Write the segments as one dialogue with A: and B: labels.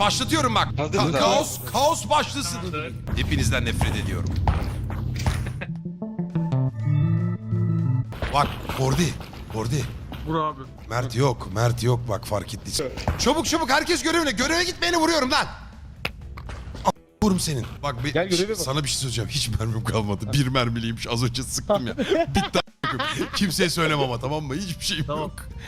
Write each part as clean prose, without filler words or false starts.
A: Başlatıyorum bak.
B: Hazırız abi.
A: Kaos başlasın. Hepinizden nefret ediyorum. Bak Kordi.
C: Vur abi.
A: Mert yok bak fark ettiysen. Çabuk herkes görevine. Göreve gitmeyeni vuruyorum lan. Vurum senin. Bak
D: Gel göreve bak.
A: sana bir şey söyleyeceğim. Hiç mermim kalmadı. Bir mermiliymiş. Az önce sıktım ya. Bitti. Kimseye söyleme ama, tamam mı? Hiçbir şeyim yok.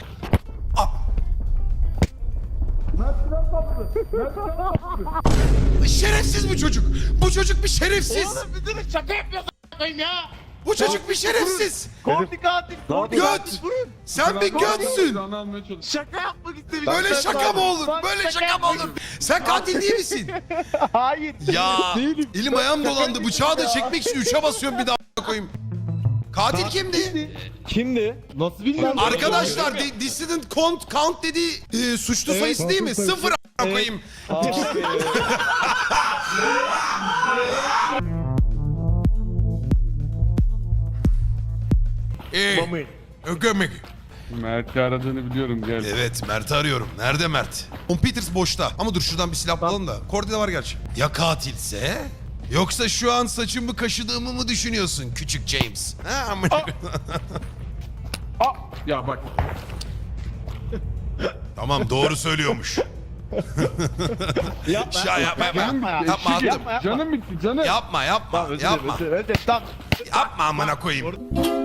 A: Şerefsiz bu çocuk. Bu çocuk bir şerefsiz.
D: Oğlum bir de şaka yapıyorsun ya.
A: Bu çocuk bir şerefsiz.
D: Kordi katil.
A: Göt. Sen bir götsün.
C: Silahını almaya çalış.
D: Şaka yapmak istedim.
A: Böyle şaka mı olur? Böyle şaka mı olur? Sen katil değil misin?
D: Hayır.
A: Ya
D: Değilim.
A: elim ayağım dolandı. Bıçağı da çekmek için 3'e basıyorum bir daha koyayım. Katil kimdi?
D: Kimdi? Nasıl bilmiyorum.
A: Arkadaşlar dissident count dediği suçlu sayısı değil mi? 0 koyayım. Gömek.
C: Mert'i aradığını biliyorum, gel.
A: Evet, Mert'i arıyorum. Nerede Mert? Tom Peters boşta. Ama dur şuradan bir silah bulalım da. Kordi'de var gerçi. Ya katilse? Yoksa şu an saçımı kaşıdığımı mı düşünüyorsun küçük James? Ha, amına.
C: Ya bak.
A: Tamam, doğru söylüyormuş. Yapma attım.
C: Canım bitti, canım.
A: Yapma.
D: Özür dilerim. Tamam.
A: Yapma amına koyayım.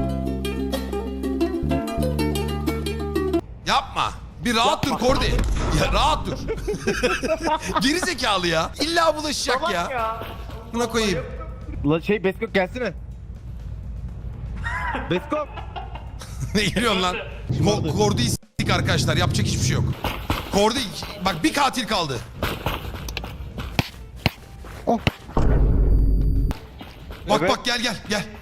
A: Yapma. Bir rahat dur Kordi. Ya rahat dur. Geri zekalı ya. İlla bulaşacak ya. Buna koyayım.
D: Ulan Beskok gelsene. Beskok.
A: Ne geliyorsun lan? Kordi'yi s**tik arkadaşlar. Yapacak hiçbir şey yok. Kordi bak, bir katil kaldı. Bak
D: Evet.
A: bak gel.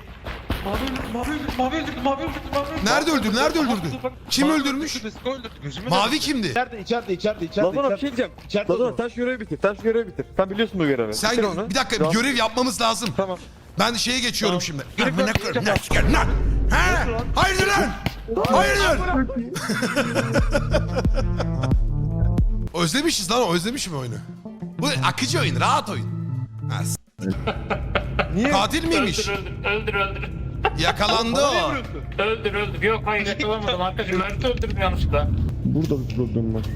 B: Mavi öldürdü.
A: Nerede öldürdü? Kim öldürmüş?
B: Besko öldürdü. Gözümün
A: Mavi kimdi?
D: İçeride.
E: Lazana bir şey diyeceğim. Lazana sen şu görevi bitir. Sen biliyorsun bu görevi.
A: Sen
E: Bitir onu.
A: bir dakika, bir görev yapmamız lazım.
E: Tamam.
A: Ben şeye geçiyorum şimdi. Amına koyayım, ne çıkar lan? Ha? Hayırdır lan? Hayırdır? Özlemişiz lan, özlemişim oyunu. Bu akıcı oyun, rahat oyun. Ha,
E: Niye?
A: katil miymiş?
F: Öldür.
A: Yakalandı o.
F: Öldür. Yok hayır yakalamadım arkadaşım. Mert'i öldürdüm yanlışlıkla.
E: Burada bir problem var.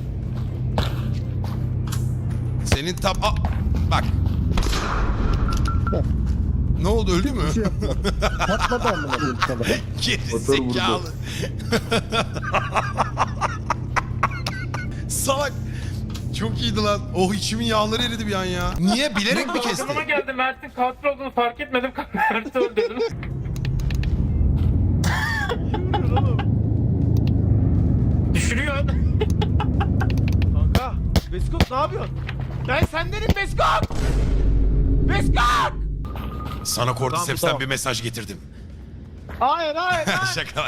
A: Senin bak. Ne oldu, öldü mü?
E: Patladı amına koyayım sana.
A: Geri zekalı. Salak. Çok iyiydi lan. Oh, içimin yağları eridi bir an ya. Niye? Bilerek mi kesti?
F: Aklıma geldi Mert'in katil olduğunu fark etmedim. Mert'i öldürdüm. Düşürüyor.
D: Kanka. Beskok ne yapıyorsun? Ben sendenim Beskok. Beskok.
A: Sana Cordyceps'ten
D: Tamam.
A: bir mesaj getirdim.
D: Hayır.
A: Şaka.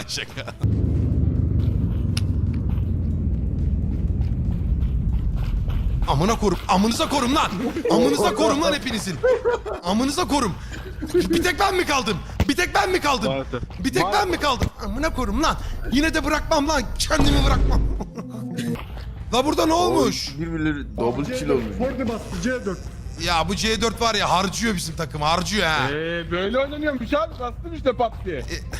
A: Amına korum. Amınıza korum lan. Amınıza korum lan hepinizin. Amınıza korum. Bir tek ben mi kaldım?
D: Maalesef.
A: Bir tek ben mi kaldım? Amına korum lan. Yine de bırakmam lan. Kendimi bırakmam. La burada ne olmuş?
E: Birbirleri double kill olmuş.
C: Kordi bastı, C4.
A: Ya bu C4 var ya, harcıyor bizim takım. Harcıyor ha.
C: Böyle oynanıyormuş abi, bastım işte pat diye.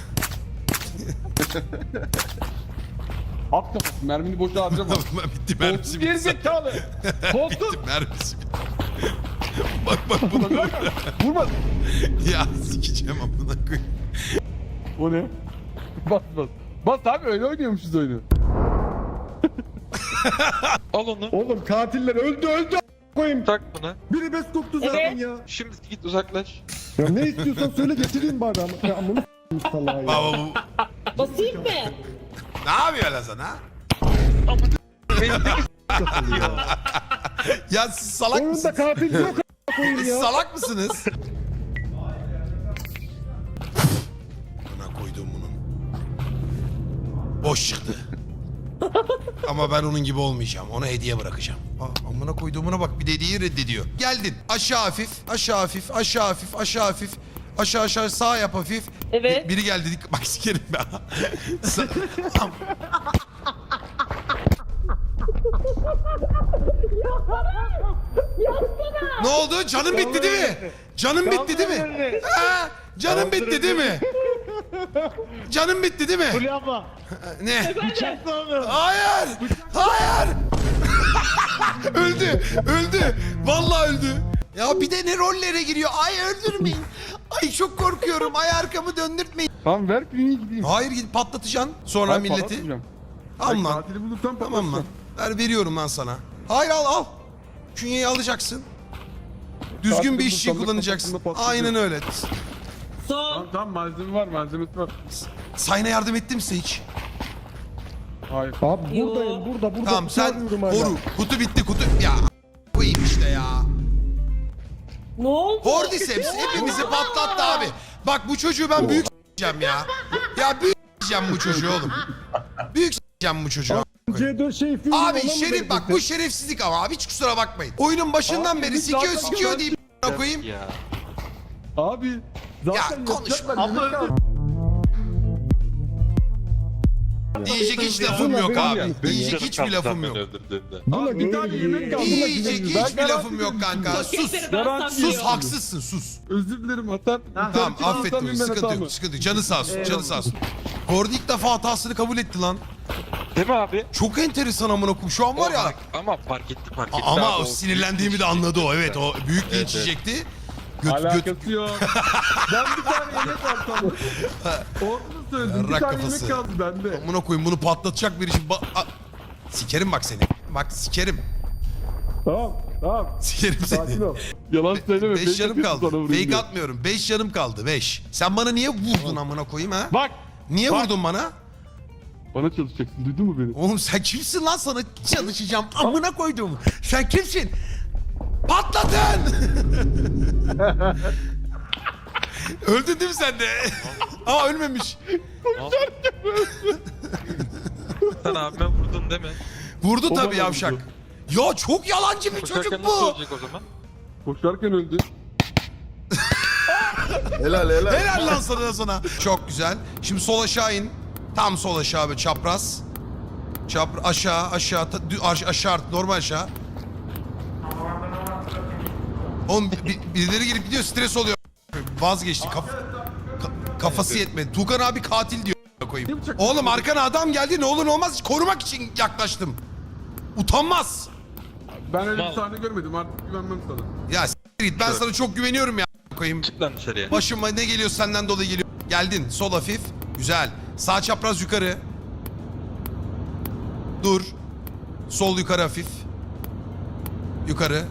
C: At kafası, mermini boşa harcama.
A: Bitti mermisi.
C: Kolsuz geri zekalı. Kolsuz.
A: Bitti mermisi. Bak buna.
C: Vurma.
A: Ya sikeceğim amına koyayım.
C: O ne? Bas. Bas abi, öyle oynuyormuşuz oyunu.
B: Al onu.
C: Oğlum katiller öldü koyayım.
B: Tak buna.
C: Biri best koktu zaten ya.
B: Şimdi git uzaklaş.
C: Ya ne istiyorsan söyle, getireyim bari ama. Ya amını s**eyim salağa ya.
A: Baba bu.
G: Basayım mı?
A: Ne yapıyor lan sana? Ya siz salak
C: Oyunda
A: mısınız?
C: katil yok koyayım
A: Siz
C: ya.
A: salak mısınız? Buna koydum bunun. Boş çıktı. Ama ben onun gibi olmayacağım. Ona hediye bırakacağım. Amına koyduğumuna bak, bir de hediyeyi reddediyor. Geldin. Aşağı hafif. Aşağı sağ yap hafif.
G: Evet.
A: Biri geldi dedik. Bak sikerim ben. Ne oldu? Canın bitti değil mi? Canın bitti değil mi? Ha? Canın bitti değil mi? Canın bitti değil mi?
D: Fulya abla.
A: Ne?
D: Bıçakla onu.
A: Hayır! Hayır! öldü. Vallahi öldü. Ya bir de ne rollere giriyor. Ay öldürmeyin. Ay çok korkuyorum. Ay arkamı döndürtmeyin.
C: Tamam ver kliniğe gideyim.
A: Hayır gidip patlatacaksın sonra
C: Ben
A: milleti.
C: patlatmayacağım.
A: Al
C: Ben
A: lan.
C: Katili bulursam
A: Tamam lan.
C: patlatacağım.
A: Veriyorum lan sana. Hayır al. Künyeyi alacaksın. Düzgün
C: Katili
A: bir işçi
C: bulursam da
A: kullanacaksın.
C: kafasında patlatacağım.
A: Aynen öyle.
C: Tamam malzeme var malzemesi var.
A: Sayına yardım ettim size hiç.
C: Hayır.
E: Abi buradayım burada
A: Tamam sen
E: arıyorum hala.
A: koru. Kutu bitti kutu. Ya koyayım işte ya.
G: Ne oldu?
A: Cordyceps hepimizi patlattı abi. Bak bu çocuğu ben büyük s**eceğim ya. Ya büyük s**eceğim bu çocuğu oğlum. Büyük s**eceğim bu çocuğu.
E: C4 şey film
A: Abi
E: olan mı
A: şerif
E: vereceksin?
A: bak bu şerefsizlik ama abi hiç kusura bakmayın. Oyunun başından
C: Abi,
A: beri
C: biz
A: sikiyor
C: zaten
A: sikiyor
C: ben-
A: deyip koyayım.
B: Ya.
C: Abi zaten
A: Ya, konuşma.
C: yapacaklar, yemek kaldı.
A: Diyecek hiç lafım
E: Bunlar
A: yok
E: benim
A: abi.
E: yani.
A: Diyecek hiçbir lafım yok.
E: Bununla
C: Abi bir tane
E: güveniyorum.
C: yemek kaldı.
A: Diyecek hiçbir lafım yok kanka. Sus.
C: Garanti
A: Sus
C: yok.
A: haksızsın sus.
C: Özür dilerim hata.
A: Tamam affettim sıkıntı yok sıkıntı yok. Canı sağ olsun canı sağ olsun. Kordi ilk defa hatasını kabul etti lan.
B: Değil mi abi?
A: Çok enteresan amına koyayım şu an var ya.
B: Ama fark etti.
A: Ama
B: abi,
A: o sinirlendiğimi de anladı o evet o büyük linç yiyecekti. Göt
C: Alakası yok. Ben bir tane yemek alsam. Onu söyledim. Bir
A: Rak
C: tane
A: kafası.
C: yemek kaldı bende.
A: amına koyayım bunu patlatacak bir işim. Sikerim bak seni. Bak sikerim.
E: Tamam.
A: Sikerim
E: Sakin
A: seni.
E: ol.
C: Yalan söyleme.
A: 5 canım
C: yapıyorsun
A: kaldı.
C: sana vurayım
A: Fake
C: diye.
A: atmıyorum. 5 canım kaldı. 5. Sen bana niye vurdun amına koyayım ha?
C: Bak.
A: Niye
C: bak.
A: vurdun bana?
C: Bana çalışacaksın. Duydun mu beni?
A: Oğlum sen kimsin lan sana çalışacağım amına koydum. Sen kimsin? Patladın. Öldün değil mi sen de? Aa ölmemiş.
B: Sen abime vurdun değil mi?
A: Vurdu
C: O
A: tabii
C: bana
A: yavşak.
C: vurdu.
A: Ya çok yalancı bir
B: Koşarken
A: çocuk
B: nasıl
A: bu.
B: olacak o zaman?
C: Koşarken öldü.
E: Helal.
A: Helal lan sana. Çok güzel. Şimdi sol aşağı in. Tam sol aşağı böyle çapraz. Aşağı aşağı normal aşağı. Oğlum birileri girip gidiyor stres oluyor. Vazgeçti kafası yetmedi. Tukan abi katil diyor koyayım. Oğlum arkana adam geldi ne olur ne olmaz korumak için yaklaştım. Utanmaz.
C: Ben öyle
B: Mal.
C: bir sahne görmedim. Artık güvenmem sana.
A: Ya s**t git ben sana çok güveniyorum ya koyayım.
B: Çık lan dışarıya.
A: Başıma ne geliyor senden dolayı geliyor. Geldin sol hafif. Güzel. Sağ çapraz yukarı. Dur. Sol yukarı hafif. Yukarı.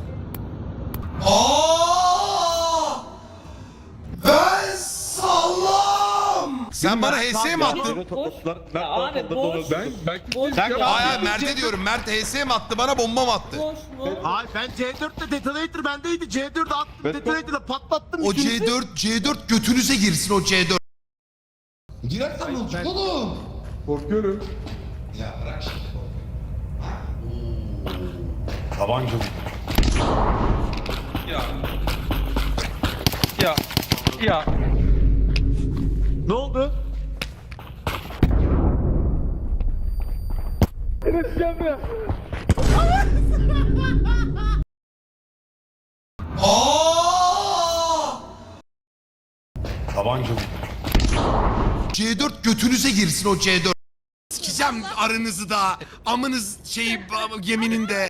A: Ben sallam. Sen bana HS mi attın?
G: Abi boş.
C: Ben belki
G: Boş.
C: bir
G: Sen-
C: şey
A: Hayır Mert'e diyorum. Mert HS mi attı bana bomba mı attı?
G: Boş mu?
D: Hayır ben C4'te detonator bendeydi. C4'e attım detonator'la patlattım.
A: O
D: ikinizi.
A: C4 götünüze girsin o C4. Girersen ne olacak oğlum?
C: korkuyorum.
A: Ya bırak şimdi.
B: Ya.
D: Ne oldu?
A: C4 götünüze girsin o C4. Sikeceğim aranızı da. Amınız şeyi yemininde.